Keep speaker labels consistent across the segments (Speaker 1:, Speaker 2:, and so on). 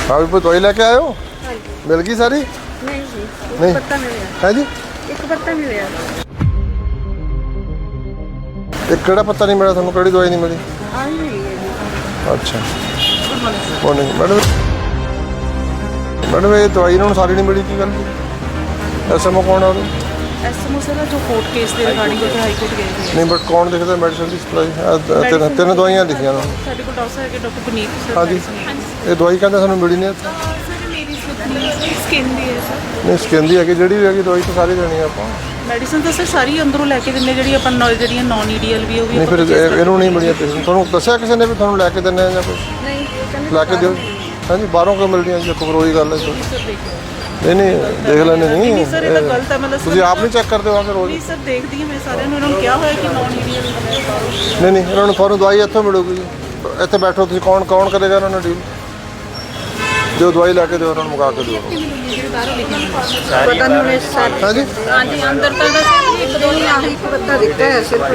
Speaker 1: हाँ भी दवाई लेके आए हो? मिल गई सारी?
Speaker 2: नहीं जी,
Speaker 1: नहीं।
Speaker 2: एक पत्ता मिले।
Speaker 1: है जी?
Speaker 2: एक पत्ता मिले।
Speaker 1: एक केड़ा पत्ता नहीं मिला थानू? केड़ी दवाई नहीं मिली?
Speaker 2: आई मिली है जी।
Speaker 1: अच्छा मॉर्निंग मैडम। मैडम ये दवाई इन्होंने सारी नहीं मिली की गल? एसएमओ कौन है?
Speaker 3: ਐਸਐਮਓ ਸਰ ਜੋ ਕੋਰਟ ਕੇਸ ਦੇ ਰਿਗਾਰਡਿੰਗ ਉੱਥੇ ਹਾਈ ਕੋਰਟ ਗਏ ਸੀ
Speaker 1: नहीं बट कौन लिखता मेडिसिन की सप्लाई? तीन दवाइयां लिखिया ना?
Speaker 3: ਸਾਡੇ ਕੋਲ ਡਾਕਟਰ ਹੈ ਕਿ ਡਾਕਟਰ ਪੁਨੀਤ ਸਰ
Speaker 1: हाँ जी ये दवाई कहते सानू मिली नहीं इत्थे।
Speaker 3: ਸਰ ਮੇਰੀ ਸਕਿਨ ਦੀ ਹੈ ਸਰ
Speaker 1: नहीं स्किन दी है जी भी दवाई तो सारी देनी है आप।
Speaker 3: ਮੈਡੀਸਨ ਤਾਂ ਸਰ ਸਾਰੀ ਅੰਦਰੋਂ ਲੈ ਕੇ ਦਿੰਦੇ ਜਿਹੜੀ ਆਪਾਂ ਜਿਹੜੀਆਂ ਨਾਨ ਈਡੀਐਲ ਵੀ ਉਹ ਵੀ
Speaker 1: नहीं फिर इन्हों नहीं मिली पेशेंट ਤੁਹਾਨੂੰ ਦੱਸਿਆ ਕਿਸੇ ਨੇ ਵੀ ਤੁਹਾਨੂੰ ਲੈ ਕੇ ਦਿੰਨੇ ਆ ਜਾਂ ਕੁਝ
Speaker 2: नहीं कहने
Speaker 1: ਲੈ ਕੇ ਦਿਓ? ਹਾਂਜੀ ਬਾਹਰੋਂ ਕਿਉਂ ਮਿਲਦੀਆਂ ਜੀ? ਕੋਈ ਰੋਈ ਗੱਲ ਹੈ
Speaker 3: ਸਰ ਦੇਖੋ
Speaker 1: ਨਹੀਂ ਨਹੀਂ ਦੇਖ ਲੈਣੇ ਨਹੀਂ
Speaker 3: ਨਹੀਂ ਸਰ ਇਹ ਤਾਂ ਗਲਤ ਹੈ ਮਤਲਬ
Speaker 1: ਤੁਸੀਂ ਆਪ ਨਹੀਂ ਚੈੱਕ ਕਰਦੇ ਹੋ ਆ ਕੇ ਰੋਜ਼?
Speaker 3: ਨਹੀਂ ਸਰ ਦੇਖਦੀ ਹਾਂ ਮੈਂ ਸਾਰਿਆਂ ਨੂੰ ਇਹਨਾਂ ਨੂੰ ਕਿਹਾ ਹੋਇਆ ਕਿ ਨਾਨ ਈਡੀਐਲ
Speaker 1: ਨਹੀਂ ਨਹੀਂ ਇਹਨਾਂ ਨੂੰ ਤੁਹਾਨੂੰ ਦਵਾਈ ਇੱਥੋਂ ਮਿਲੂਗੀ ਜੀ। ਇੱਥੇ ਬੈਠੋ ਤੁਸੀਂ ਕੌਣ ਕਰੇਗਾ ਇਹਨਾਂ ਨਾਲ ਡੀਲ? ਜੋ ਦਵਾਈ ਲੈ ਕੇ ਦਿਓ ਉਹਨਾਂ ਨੂੰ ਮੁਕਾ ਕੇ ਦਿਓ।
Speaker 2: पता नहीं उन्हें साथ।
Speaker 1: ਹਾਂਜੀ
Speaker 2: हाँ जी अंदर तक एक दो नहीं एक पत्ता दिखता है सिर्फ।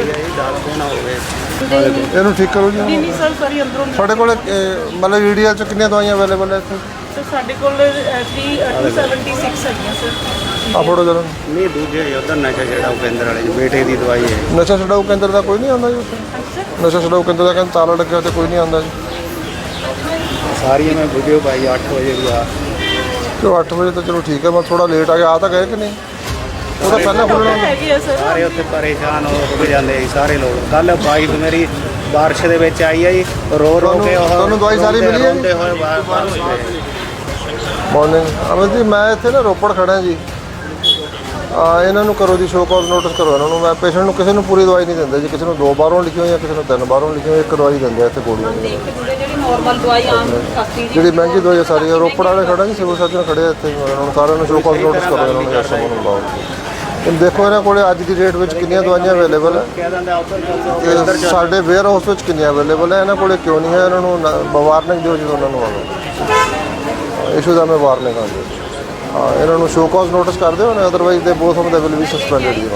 Speaker 1: ਇਹਨੂੰ ਠੀਕ ਕਰੋ ਜੀ।
Speaker 3: ਨਹੀਂ ਨਹੀਂ ਸਰ ਸਾਰੀ ਅੰਦਰੋਂ
Speaker 1: ਤੁਹਾਡੇ ਕੋਲ ਮਤਲਬ ਈਡੀਐਲ ਚ ਕਿੰਨੀਆਂ ਦਵਾਈਆਂ ਅਵੇਲੇਬਲ ਹੈ ਇੱਥੇ?
Speaker 3: ਸਰ ਸਾਡੇ ਕੋਲ 276 ਹੈਗੀਆਂ ਸਰ
Speaker 1: ਆ ਫੋਟੋ ਜਰਾ।
Speaker 4: ਨਹੀਂ ਦੂਜੇ ਉਧਰ ਨਸ਼ਾ ਛਡਾਊ ਕੇਂਦਰ ਵਾਲੇ ਬੇਟੇ ਦੀ ਦਵਾਈ ਹੈ।
Speaker 1: ਨਸ਼ਾ ਛਡਾਊ ਕੇਂਦਰ ਦਾ ਕੋਈ ਨਹੀਂ ਆਉਂਦਾ ਜੀ ਉੱਥੇ? ਨਸ਼ਾ ਛਡਾਊ ਕੇਂਦਰ ਦਾ ਕਹਿੰਦੇ ਤਾਲਾ ਲੱਗਿਆ ਤੇ ਕੋਈ ਨਹੀਂ ਆਉਂਦਾ ਜੀ।
Speaker 4: ਸਾਰੀਆਂ ਮੈਂ ਵੀਡੀਓ ਪਾਈ 8 ਵਜੇ ਦੀ ਆ।
Speaker 1: ਚਲੋ 8 ਵਜੇ ਤਾਂ ਚਲੋ ਠੀਕ ਹੈ ਮੈਂ ਥੋੜਾ ਲੇਟ ਆ ਗਿਆ। ਆ ਤਾਂ ਗਏ ਕਿ ਨਹੀਂ? ਉਹ ਤਾਂ ਪਹਿਲਾਂ ਖੁੱਲਣਾ ਹੁੰਦਾ।
Speaker 3: ਹੈਗੇ ਆ ਸਰ
Speaker 4: ਸਾਰੇ ਉੱਥੇ ਪਰੇਸ਼ਾਨ ਹੋ ਜਾਂਦੇ ਸੀ ਸਾਰੇ ਲੋਕ। ਕੱਲ ਬਾਈਕ ਮੇਰੀ ਬਾਰਿਸ਼ ਦੇ ਵਿੱਚ ਆਈ ਹੈ ਜੀ ਰੋ ਕੇ ਉਹ
Speaker 1: ਤੁਹਾਨੂੰ ਦਵਾਈ ਸਾਰੀ ਮਿਲੀ ਹੈ ਜੀ?
Speaker 4: ਰੋਂਦੇ ਹੋਏ ਬਾਹਰ ਹੋਏ।
Speaker 1: ਮਾਰਨਿੰਗ ਅਮਨ ਜੀ ਮੈਂ ਇੱਥੇ ਨਾ ਰੋਪੜ ਖੜਾ ਜੀ। ਇਹਨਾਂ ਨੂੰ ਕਰੋ ਜੀ ਸ਼ੋਅ ਕਾਜ਼ ਨੋਟਿਸ ਕਰੋ ਇਹਨਾਂ ਨੂੰ। ਮੈਂ ਪੇਸ਼ੈਂਟ ਨੂੰ ਕਿਸੇ ਨੂੰ ਪੂਰੀ ਦਵਾਈ ਨਹੀਂ ਦਿੰਦਾ ਜੀ। ਕਿਸੇ ਨੂੰ 2 ਬਾਹਰੋਂ ਲਿਖੀ ਹੋਈ ਜਾਂ ਕਿਸੇ ਨੂੰ 3 ਬਾਹਰੋਂ ਲਿਖੀ ਹੋਈ। ਇੱਕ ਦਵਾਈ ਦਿੰਦੇ ਆ ਇੱਥੇ ਗੋਲੀਆਂ ਦੀ।
Speaker 2: ਜਿਹੜੀ ਨਾਰਮਲ ਦਵਾਈ ਆਮ ਸਸਤੀ
Speaker 1: ਜਿਹੜੀ ਮਹਿੰਗੀ ਦਵਾਈ ਆ ਸਾਰੀ ਰੋਪੜ ਵਾਲੇ ਖੜਾ ਜੀ ਸਿਵਲ ਸਰਜਨ ਖੜੇ ਆ ਇੱਥੇ। ਇਹਨਾਂ ਨੂੰ ਸਾਰਿਆਂ ਨੂੰ ਸ਼ੋਅ ਕਾਜ਼ ਨੋਟਿਸ ਕਰੋ ਇਹਨਾਂ ਨੂੰ ਐਸਐਮਓ ਨੂੰ ਬੁਲਾਓ। ਹੁਣ ਦੇਖੋ ਇਹਨਾਂ ਕੋਲੇ ਅੱਜ ਦੀ ਡੇਟ ਵਿੱਚ ਕਿੰਨੀਆਂ ਦਵਾਈਆਂ ਅਵੇਲੇਬਲ ਹੈ
Speaker 4: ਕਹਿ ਦਿੰਦੇ ਉੱਧਰ
Speaker 1: ਤੇ ਸਾਡੇ ਵੇਅਰ ਹਾਊਸ ਵਿੱਚ ਕਿੰਨੀਆਂ ਅਵੇਲੇਬਲ ਹੈ। ਇਹਨਾਂ ਕੋਲੇ ਕਿਉਂ ਨਹੀਂ ਹੈ? ਇਹਨਾਂ ਨੂੰ ਵਾਰਨਿੰਗ ਦਿਓ ਜਦੋਂ ਉਹਨਾਂ ਨੂੰ ਆਵੇ ਇਸ਼ੂ ਦਾ ਮੈਂ ਵਾਰਨਿੰਗ ਆ ਦਿਓ। ਹਾਂ ਇਹਨਾਂ ਨੂੰ ਸ਼ੋਅ ਕਾਜ਼ ਨੋਟਿਸ ਕਰ ਦਿਓ ਨਾ otherwise the both of they will be suspended ਜੀ।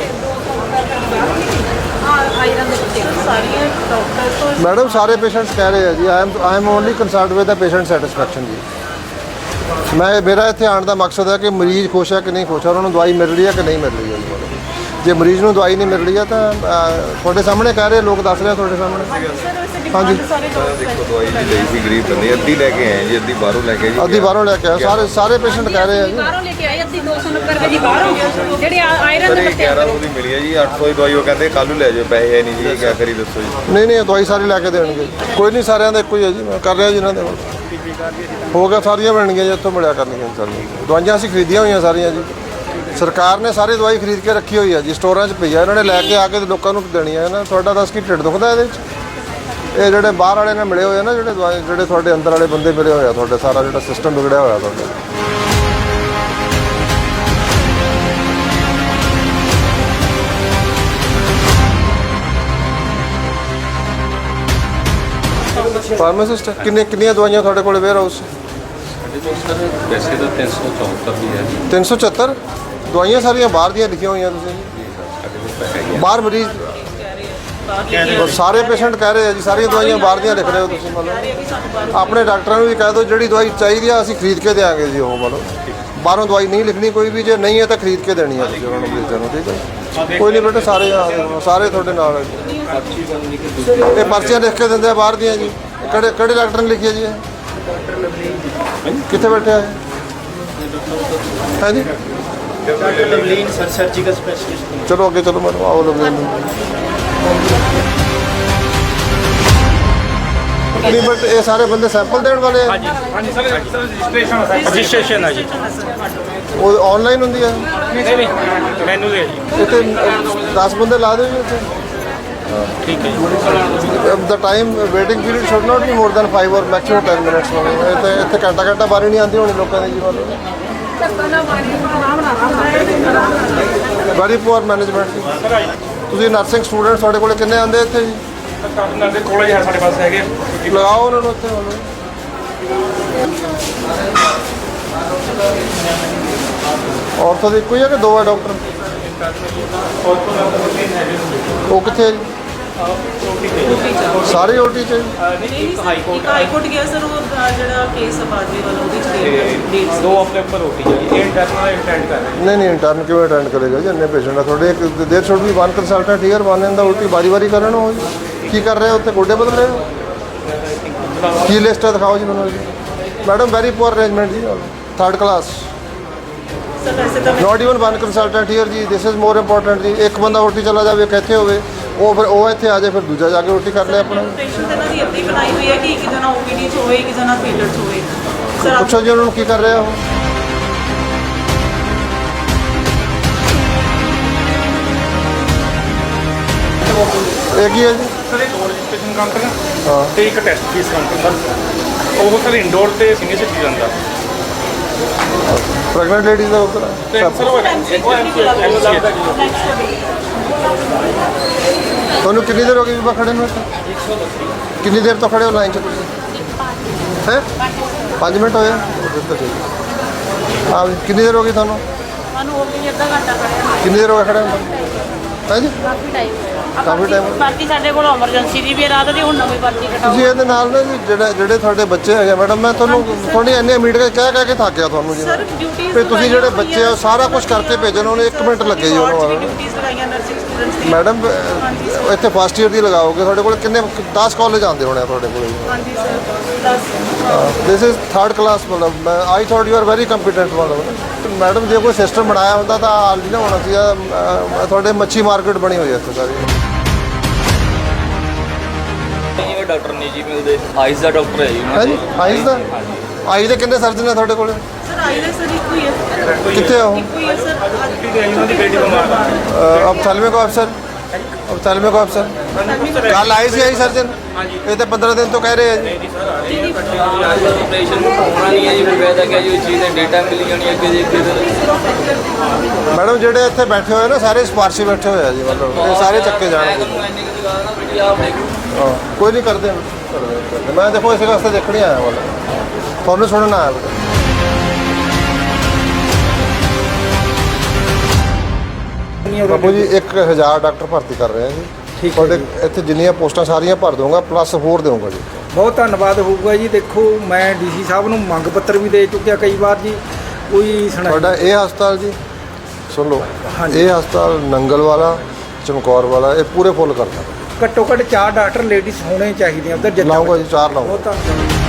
Speaker 3: ਆਇਰਨ ਦੇ ਵਿੱਚ ਸਾਰੀਆਂ ਡਾਕਟਰ ਤੋਂ
Speaker 1: ਮੈਡਮ ਸਾਰੇ ਪੇਸ਼ੈਂਟਸ ਕਹਿ ਰਹੇ ਆ ਜੀ I am only concerned with the patient satisfaction ਜੀ। ਮੇਰਾ ਇੱਥੇ ਆਉਣ ਦਾ ਮਕਸਦ ਹੈ ਕਿ ਮਰੀਜ਼ ਖੁਸ਼ ਹੈ ਕਿ ਨਹੀਂ ਖੁਸ਼ ਹੈ, ਉਹਨਾਂ ਨੂੰ ਦਵਾਈ ਮਿਲ ਰਹੀ ਹੈ ਕਿ ਨਹੀਂ ਮਿਲ ਰਹੀ ਹੈ। ਜੇ ਮਰੀਜ਼ ਨੂੰ ਦਵਾਈ ਨਹੀਂ ਮਿਲ ਰਹੀ ਹੈ ਤਾਂ ਤੁਹਾਡੇ ਸਾਹਮਣੇ ਕਹਿ ਰਹੇ ਲੋਕ ਦੱਸ ਰਹੇ ਤੁਹਾਡੇ ਸਾਹਮਣੇ। ਹਾਂਜੀ
Speaker 3: ਸਾਰੇ
Speaker 5: ਦੇਖੋ ਦਵਾਈ ਜੀ ਲਈ ਸੀ ਗਰੀਬ ਬੰਦੇ ਅੱਧੀ ਲੈ ਕੇ ਆਏ ਜੀ ਅੱਧੀ ਬਾਹਰੋਂ ਲੈ ਕੇ ਜੀ
Speaker 1: ਅੱਧੀ ਬਾਹਰੋਂ ਲੈ ਕੇ ਆਏ ਸਾਰੇ ਪੇਸ਼ੈਂਟ ਕਹਿ ਰਹੇ ਆ ਜੀ।
Speaker 2: ਬਾਹਰੋਂ ਲੈ ਕੇ ਆਏ ਅੱਧੀ 290 ਰੁਪਏ ਦੀ ਬਾਹਰੋਂ ਜਿਹੜੀ ਆਇਰਨ
Speaker 5: ਸਰ
Speaker 2: ਦੇ
Speaker 5: ਇਹ
Speaker 2: ਪੱਤੇ
Speaker 5: 1100 ਦੀ ਮਿਲੀ ਹੈ ਜੀ 800 ਦੀ ਦਵਾਈ ਉਹ ਕਹਿੰਦੇ ਕੱਲ੍ਹ ਨੂੰ ਲੈ ਜਾਓ ਪੈਸੇ ਹੈ ਨਹੀਂ ਜੀ ਕਿਆ ਕਰੀ ਦੱਸੋ ਜੀ।
Speaker 1: ਨਹੀਂ ਨਹੀਂ ਦਵਾਈ ਸਾਰੀ ਲੈ ਕੇ ਦੇਣਗੇ ਕੋਈ ਨਹੀਂ ਸਾਰਿਆਂ ਦਾ ਇੱਕੋ ਹੀ ਹੈ ਜੀ। ਮੈਂ ਕਰ ਰਿਹਾ ਜੀ ਇਹਨਾਂ ਦੇ ਕੋਲ ਹੋ ਗਿਆ ਸਾਰੀਆਂ ਮਿਲਣਗੀਆਂ ਜੀ ਇੱਥੋਂ ਮਿਲਿਆ ਕਰਨਗੀਆਂ ਸਾਰੀਆਂ ਦਵਾਈਆਂ ਅਸੀਂ ਖਰੀਦੀਆਂ ਹੋਈਆਂ ਸਾਰੀਆਂ ਜੀ। ਸਰਕਾਰ ਨੇ ਸਾਰੀ ਦਵਾਈ ਖਰੀਦ ਕੇ ਰੱਖੀ ਹੋਈ ਹੈ ਜੀ ਸਟੋਰਾਂ 'ਚ ਪਈ ਆ। ਇਹਨਾਂ ਨੇ ਲੈ ਕੇ ਆ ਕੇ ਲੋਕਾਂ ਨੂੰ ਦੇਣੀ ਹੈ ਨਾ। ਤੁਹਾਡਾ ਦੱਸ ਕੀ ਢਿੱਡ ਦੁਖਦਾ ਇਹਦੇ 'ਚ? ਇਹ ਜਿਹੜੇ ਬਾਹਰ ਵਾਲੇ ਨਾਲ ਮਿਲੇ ਹੋਏ ਆ ਨਾ ਜਿਹੜੇ ਤੁਹਾਡੇ ਅੰਦਰ ਵਾਲੇ ਬੰਦੇ ਮਿਲੇ ਹੋਏ ਆ ਤੁਹਾਡੇ ਸਾਰਾ ਜਿਹੜਾ ਸਿਸਟਮ ਵਿਗੜਿਆ ਹੋਇਆ ਤੁਹਾਡਾ। ਫਾਰਮਾਸਿਸਟ ਕਿੰਨੀਆਂ ਦਵਾਈਆਂ ਤੁਹਾਡੇ ਕੋਲ ਵੇਅਰ ਹਾਊਸ?
Speaker 6: ਵੈਸੇ ਤਾਂ 374 ਵੀ ਹੈ ਜੀ
Speaker 1: 374 ਦਵਾਈਆਂ ਸਾਰੀਆਂ ਬਾਹਰ ਦੀਆਂ ਲਿਖੀਆਂ ਹੋਈਆਂ ਤੁਸੀਂ
Speaker 6: ਸਾਡੇ ਕੋਲ ਤਾਂ ਹੈਗੀ
Speaker 1: ਬਾਹਰ ਮਰੀਜ਼ ਸਾਰੇ ਪੇਸ਼ੈਂਟ ਕਹਿ ਰਹੇ ਆ ਜੀ ਸਾਰੀਆਂ ਦਵਾਈਆਂ ਬਾਹਰ ਦੀਆਂ ਲਿਖ ਰਹੇ ਹੋ ਤੁਸੀਂ। ਮਤਲਬ ਆਪਣੇ ਡਾਕਟਰਾਂ ਨੂੰ ਵੀ ਕਹਿ ਦਿਓ ਜਿਹੜੀ ਦਵਾਈ ਚਾਹੀਦੀ ਆ ਅਸੀਂ ਖਰੀਦ ਕੇ ਦੇਵਾਂਗੇ ਜੀ। ਉਹ ਮਤਲਬ ਬਾਹਰੋਂ ਦਵਾਈ ਨਹੀਂ ਲਿਖਣੀ ਕੋਈ ਵੀ। ਜੇ ਨਹੀਂ ਹੈ ਤਾਂ ਖਰੀਦ ਕੇ ਦੇਣੀ ਆ ਤੁਸੀਂ ਉਹਨਾਂ ਨੂੰ ਮਰੀਜ਼ਾਂ ਨੂੰ। ਠੀਕ ਹੈ ਕੋਈ ਨਹੀਂ ਬੇਟਾ ਸਾਰੇ ਤੁਹਾਡੇ ਨਾਲ ਇਹ ਪਰਚੀਆਂ ਲਿਖ ਕੇ ਦਿੰਦੇ ਆ ਬਾਹਰ ਦੀਆਂ ਜੀ। ਕਿਹੜੇ ਡਾਕਟਰ ਨੇ ਲਿਖੀ ਹੈ ਜੀ ਇਹ? ਕਿੱਥੇ ਬੈਠਿਆ ਹੈ? ਹਾਂਜੀ
Speaker 4: doctor Lovleen sir surgical specialist.
Speaker 1: ਚਲੋ ਅੱਗੇ ਚਲੋ ਮੈਨੂੰ ਆਓ ਲਵਲੀਨ। ਨਹੀਂ ਬਟ ਇਹ ਸਾਰੇ ਬੰਦੇ ਸੈਂਪਲ ਦੇਣ ਵਾਲੇ ਆ?
Speaker 7: ਹਾਂਜੀ ਸਰ ਰਜਿਸਟ੍ਰੇਸ਼ਨ ਹੈ ਜੀ।
Speaker 1: ਉਹ ਆਨਲਾਈਨ ਹੁੰਦੀ ਹੈ?
Speaker 7: ਨਹੀਂ ਮੈਨੂੰ ਦੇ ਜੀ
Speaker 1: ਇੱਥੇ 10 ਬੰਦੇ ਲਾ ਦਿਓ ਜੀ ਇੱਥੇ।
Speaker 7: ਠੀਕ ਹੈ ਜੀ।
Speaker 1: The time waiting period should not be more than 5 or maximum 10 minutes ਹੋਵੇ। ਇੱਥੇ ਘੰਟਾ ਬਾਰੀ ਨਹੀਂ ਆਉਂਦੀ ਹੋਣੀ ਲੋਕਾਂ ਦੀ ਜੀ। ਮਤਲਬ ਵੈਰੀ ਪੂਅਰ ਮੈਨੇਜਮੈਂਟ। ਤੁਸੀਂ ਨਰਸਿੰਗ ਸਟੂਡੈਂਟ ਤੁਹਾਡੇ ਕੋਲ ਕਿੰਨੇ ਆਉਂਦੇ ਇੱਥੇ ਜੀ?
Speaker 7: ਕਾਰਨ ਦੇ ਕੋਲੇ ਹੈ ਸਾਡੇ ਪਾਸ ਹੈਗੇ।
Speaker 1: ਲਗਾਓ ਉਹਨਾਂ ਨੂੰ ਇੱਥੇ। ਔਰਥੋ ਦੀ ਇੱਕੋ ਹੀ ਹੈ ਕਿ ਦੋ ਹੈ ਡਾਕਟਰ? ਉਹ ਕਿੱਥੇ ਹੈ ਜੀ? ਸਾਰੇ ਓਟੀ ਚ
Speaker 3: ਨਹੀਂ ਹਾਈ ਕੋਰਟ ਗਿਆ ਸਰ ਉਹ ਜਿਹੜਾ ਕੇਸ ਬਾਜਵੇ ਵਾਲਾ ਉਹਦੀ ਚ ਡੇਟ
Speaker 7: ਦੋ ਹਫ਼ਤੇ ਉੱਪਰ ਰੋਟੀ ਹੈ ਇਹ ਇੰਟਰਨਲ ਅਟੈਂਡ ਕਰ ਰਹੇ
Speaker 1: ਨਹੀਂ ਇੰਟਰਨ ਕਿਵੇਂ ਅਟੈਂਡ ਕਰੇਗਾ ਜੀ ਇੰਨੇ ਪੇਸ਼ੈਂਟ ਆ ਤੁਹਾਡੇ ਇੱਕ there should be one consultant here one in the ਉਲਟੀ ਵਾਰੀ ਕਰਨ ਹੋ ਜੀ ਕੀ ਕਰ ਰਹੇ ਹੋ ਉੱਥੇ ਗੋਡੇ ਬਦਲ ਰਹੇ ਹੋ ਕੀ ਲਿਸਟ ਹੈ ਦਿਖਾਓ ਜੀ ਮੈਨੂੰ ਜੀ ਮੈਡਮ ਵੈਰੀ ਪੁਅਰ ਅਰੇਂਜਮੈਂਟ ਜੀ ਥਰਡ ਕਲਾਸ
Speaker 3: ਸਰ ਵੈਸੇ ਤਾਂ
Speaker 1: not even one consultant here ਜੀ ਦਿਸ ਇਜ਼ ਮੋਰ ਇੰਪੋਰਟੈਂਟ ਜੀ ਇੱਕ ਬੰਦਾ ਓਟੀ ਚਲਾ ਜਾਵੇ ਇੱਕ ਇੱਥੇ ਹੋਵੇ ਉਹ ਫਿਰ ਉਹ ਇੱਥੇ ਆ ਜਾਏ ਫਿਰ ਦੂਜਾ ਜਾ ਕੇ ਓਟੀ ਕਰ ਲੈ ਆਪਣਾ
Speaker 3: ਪੇਸ਼ੈਂਟ ਇਹਨਾਂ ਦੀ ਇੱਦਾਂ ਹੀ ਬਣਾਈ ਹੋਈ ਹੈ ਕਿ ਇੱਕ ਜਣਾ ਓਪੀਡੀ 'ਚ ਹੋਵੇ ਇੱਕ ਜਣਾ ਫੀਲਡ 'ਚ ਹੋਵੇ ਸਰ
Speaker 1: ਪੁੱਛੋ ਜੀ ਉਹਨਾਂ ਨੂੰ ਕੀ ਕਰ ਰਿਹਾ ਉਹ ਇਹ ਕੀ ਹੈ ਜੀ
Speaker 7: ਸਰ ਇਹ ਦੋ ਰਜਿਸਟ੍ਰੇਸ਼ਨ ਕਾਊਂਟਰ
Speaker 1: ਹਾਂ
Speaker 7: ਤੇ ਇੱਕ ਟੈਸਟ ਫੀਸ ਕਾਊਂਟਰ ਸਰ ਉਹ ਸਰ ਇੰਡੋਰ ਤੇ ਸੀਨੀਅਰ ਸਿਟੀਜ਼ਨ ਦਾ
Speaker 1: ਪ੍ਰੈਗਨੈਂਟ ਲੇਡੀਜ਼ ਦਾ ਉੱਧਰ
Speaker 7: ਤੇ ਸਰ ਉਹ MCH ਦਾ
Speaker 1: ਤੁਹਾਨੂੰ ਕਿੰਨੀ ਦੇਰ ਹੋ ਗਈ ਬੀਬਾ ਖੜੇ ਨੂੰ ਇੱਥੇ? ਕਿੰਨੀ ਦੇਰ ਤੋਂ ਖੜੇ ਹੋ ਲਾਈਨ 'ਚ ਤੁਸੀਂ ਹੈ 5 ਮਿੰਟ ਹੋਏ ਹਾਂ ਕਿੰਨੀ ਦੇਰ ਹੋ ਗਈ ਤੁਹਾਨੂੰ
Speaker 2: ਸਾਨੂੰ ਹੋ ਗਈ ਅੱਧਾ ਘੰਟਾ ਖੜਿਆ
Speaker 1: ਕਿੰਨੀ ਦੇਰ ਹੋ ਗਈ ਖੜੇ ਹੋ ਹੈ ਜੀ
Speaker 2: ਕਾਫੀ ਟਾਈਮ
Speaker 1: ਕਾਫੀ time
Speaker 2: ਬਾਕੀ ਸਾਡੇ ਕੋਲ ਐਮਰਜੈਂਸੀ ਦੀ ਵੀ ਰਾਤ ਦੀ ਹੁਣ ਨਵੀਂ ਪਰਚੀ ਕਟਾਓ
Speaker 1: ਤੁਸੀਂ ਇਹਦੇ ਨਾਲ ਨਾ ਜੀ ਜਿਹੜੇ ਤੁਹਾਡੇ ਬੱਚੇ ਹੈਗੇ ਮੈਡਮ ਮੈਂ ਤੁਹਾਨੂੰ ਥੋੜੀ ਇੰਨੇ ਮੀਟ ਕੇ ਕਹਿ ਕੇ ਥੱਕ ਤੁਹਾਨੂੰ ਜੀ
Speaker 3: ਸਰ ਡਿਊਟੀਆਂ
Speaker 1: ਤੇ ਤੁਸੀਂ ਜਿਹੜੇ ਬੱਚੇ ਆ ਸਾਰਾ ਕੁਝ ਕਰਕੇ ਭੇਜਣ ਉਹਨੇ 1 ਮਿੰਟ ਲੱਗੇ ਜੀ ਉਹਨੂੰ
Speaker 3: ਡਿਊਟੀਆਂ ਲਗਾਈਆਂ ਨਰਸਿੰਗ ਸਟੂਡੈਂਟਸ ਦੀ
Speaker 1: ਮੈਡਮ ਇੱਥੇ ਫਸਟ ਈਅਰ ਦੀ ਲਗਾਓਗੇ ਤੁਹਾਡੇ ਕੋਲ ਕਿੰਨੇ 10 ਕਾਲਜ ਆਉਂਦੇ ਹੋਣੇ ਆ ਤੁਹਾਡੇ ਕੋਲ
Speaker 3: ਹਾਂਜੀ sir 10
Speaker 1: this is third class ਮਤਲਬ I thought you are very competent ਮਤਲਬ ਮੈਡਮ ਜੇ ਕੋਈ ਸਿਸਟਮ ਬਣਾਇਆ ਹੁੰਦਾ ਤਾਂ ਆਲਰੇਡੀ ਨਾ ਹੋਣਾ ਸੀਗਾ ਤੁਹਾਡੇ ਮੱਛੀ ਮਾਰਕੀਟ ਬਣੀ ਹੋਈ ਹੈ ਇੱਥੇ ਸਾਰੀ
Speaker 6: ਇਹ ਡਾਕਟਰ ਨਹੀਂ ਜੀ ਮਿਲਦੇ ਆਈਜ਼ ਦਾ ਡਾਕਟਰ ਹੈ ਜੀ
Speaker 1: ਹੈ ਜੀ ਆਈਜ਼ ਦਾ ਆਈਜ਼ ਦੇ ਕਿੰਨੇ ਸਰਜਨ ਨੇ ਤੁਹਾਡੇ ਕੋਲ
Speaker 3: ਸਰ ਆਈ ਦਾ ਸਰ ਇੱਕੋ ਹੀ ਹੈ
Speaker 1: ਕਿੱਥੇ ਹੋ
Speaker 3: ਇੱਕੋ ਹੀ ਹੈ ਸਰ
Speaker 7: ਉਹਨਾਂ ਦੀ ਬੇਟੀ ਬਿਮਾਰ ਆ
Speaker 1: ਅਫਥਲਮਿਕ ਅਫਸਰ ਅਫਥਲਮਿਕ ਅਫਸਰ ਕੱਲ ਆਏ ਸੀ ਆਈ ਸਰਜਨ ਇਹ ਤਾਂ 15 ਦਿਨ ਤੋਂ ਕਹਿ ਰਹੇ ਆ ਜੀ
Speaker 6: ਆਪਰੇਸ਼ਨ ਹੋਣਾ ਨਹੀਂ ਹੈ ਜੀ ਫਿਰ ਵੈਦਾ ਕਿਹਾ ਜੀ ਉਹ ਚੀਜ਼ ਦੇ ਡੇਟਾ ਮਿਲ ਜਾਣੀ ਅੱਗੇ ਜੀ
Speaker 1: ਮੈਡਮ ਜਿਹੜੇ ਇੱਥੇ ਬੈਠੇ ਹੋਏ ਨਾ ਸਾਰੇ ਸਿਫਾਰਸ਼ੀ ਬੈਠੇ ਹੋਏ ਆ ਜੀ ਮਤਲਬ ਇਹ ਸਾਰੇ ਚੱਕੇ ਜਾਣਗੇ ਹਾਂ ਕੋਈ ਨਹੀਂ ਕਰਦੇ ਮੈਂ ਦੇਖੋ ਇਸੇ ਵਾਸਤੇ ਦੇਖਣ ਹੀ ਆਇਆ ਮਤਲਬ ਤੁਹਾਨੂੰ ਸੁਣਨਾ ਆਇਆ ਬੇਟਾ ਬਾਬੂ ਜੀ 1000 ਡਾਕਟਰ ਭਰਤੀ ਕਰ ਰਹੇ ਆ ਜੀ ਤੁਹਾਡੇ ਇੱਥੇ ਜਿੰਨੀਆਂ ਪੋਸਟਾਂ ਸਾਰੀਆਂ ਭਰ ਦਊਂਗਾ ਪਲੱਸ ਹੋਰ ਦੇਵਾਂਗਾ ਜੀ
Speaker 8: ਬਹੁਤ ਧੰਨਵਾਦ ਹੋਊਗਾ ਜੀ ਦੇਖੋ ਮੈਂ ਡੀਸੀ ਸਾਹਿਬ ਨੂੰ ਮੰਗ ਪੱਤਰ ਵੀ ਦੇ ਚੁੱਕਿਆ ਕਈ ਵਾਰ ਜੀ ਕੋਈ ਸੁਣਾਈ
Speaker 1: ਤੁਹਾਡਾ ਇਹ ਹਸਪਤਾਲ ਜੀ ਸੁਣ ਲਓ ਇਹ ਹਸਪਤਾਲ ਨੰਗਲ ਵਾਲਾ ਚਮਕੌਰ ਵਾਲਾ ਇਹ ਪੂਰੇ ਫੁੱਲ ਕਰਦਾ
Speaker 8: ਘੱਟੋ ਘੱਟ 4 ਡਾਕਟਰ ਲੇਡੀਜ਼ ਹੋਣੇ ਚਾਹੀਦੇ ਆ ਉਧਰ
Speaker 1: ਲਾਊਂਗਾ ਜੀ 4 ਲਾਊਂਗਾ
Speaker 8: ਬਹੁਤ ਧੰਨਵਾਦ